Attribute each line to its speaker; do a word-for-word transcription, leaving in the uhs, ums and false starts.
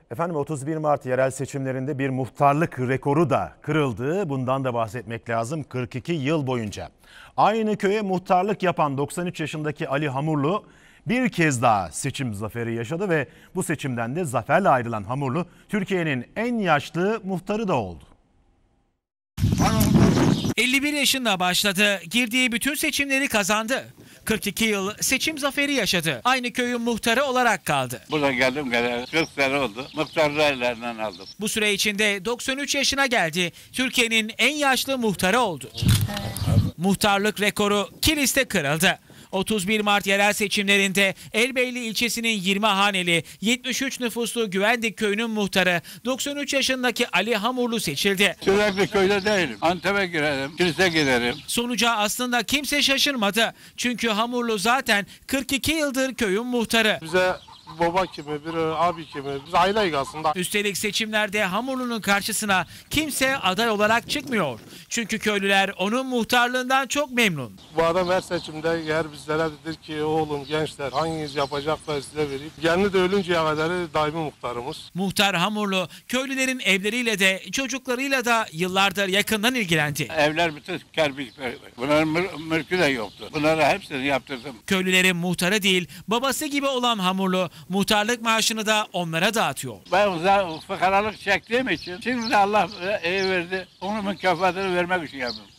Speaker 1: Efendim otuz bir Mart yerel seçimlerinde bir muhtarlık rekoru da kırıldı. Bundan da bahsetmek lazım kırk iki yıl boyunca. Aynı köye muhtarlık yapan doksan üç yaşındaki Ali Hamurlu bir kez daha seçim zaferi yaşadı ve bu seçimden de zaferle ayrılan Hamurlu Türkiye'nin en yaşlı muhtarı da oldu.
Speaker 2: elli bir yaşında başladı. Girdiği bütün seçimleri kazandı. kırk iki yıl seçim zaferi yaşadı. Aynı köyün muhtarı olarak kaldı.
Speaker 3: Burada geldim geleli kırk sene oldu. Muhtarlığı ellerinden aldım.
Speaker 2: Bu süre içinde doksan üç yaşına geldi. Türkiye'nin en yaşlı muhtarı oldu. Muhtarlık rekoru Kilis'te kırıldı. otuz bir Mart yerel seçimlerinde Elbeyli ilçesinin yirmi haneli yetmiş üç nüfuslu Güvendik köyünün muhtarı doksan üç yaşındaki Ali Hamurlu seçildi.
Speaker 3: Sürekli köyde değilim. Antep'e girerim, kilise giderim.
Speaker 2: Sonuca aslında kimse şaşırmadı. Çünkü Hamurlu zaten kırk iki yıldır köyün muhtarı.
Speaker 4: Bize baba gibi, bir abi gibi, biz aileyiz aslında.
Speaker 2: Üstelik seçimlerde Hamurlu'nun karşısına kimse aday olarak çıkmıyor. Çünkü köylüler onun muhtarlığından çok memnun.
Speaker 4: Bu adam her seçimde eğer bizlere dedir ki oğlum gençler hanginiz yapacaklar size vereyim. Kendi de ölünceye kadar daimi muhtarımız.
Speaker 2: Muhtar Hamurlu köylülerin evleriyle de çocuklarıyla da yıllardır yakından ilgilendi.
Speaker 3: Evler bütün kerpiç. Bunların mül- mülkü de yoktu. Bunları hepsini yaptırdım.
Speaker 2: Köylülerin muhtarı değil babası gibi olan Hamurlu muhtarlık maaşını da onlara dağıtıyor.
Speaker 3: Ben uzak fıkaralık çektiğim için şimdi de Allah iyi verdi. Onun mükafatını vermek için yaptım.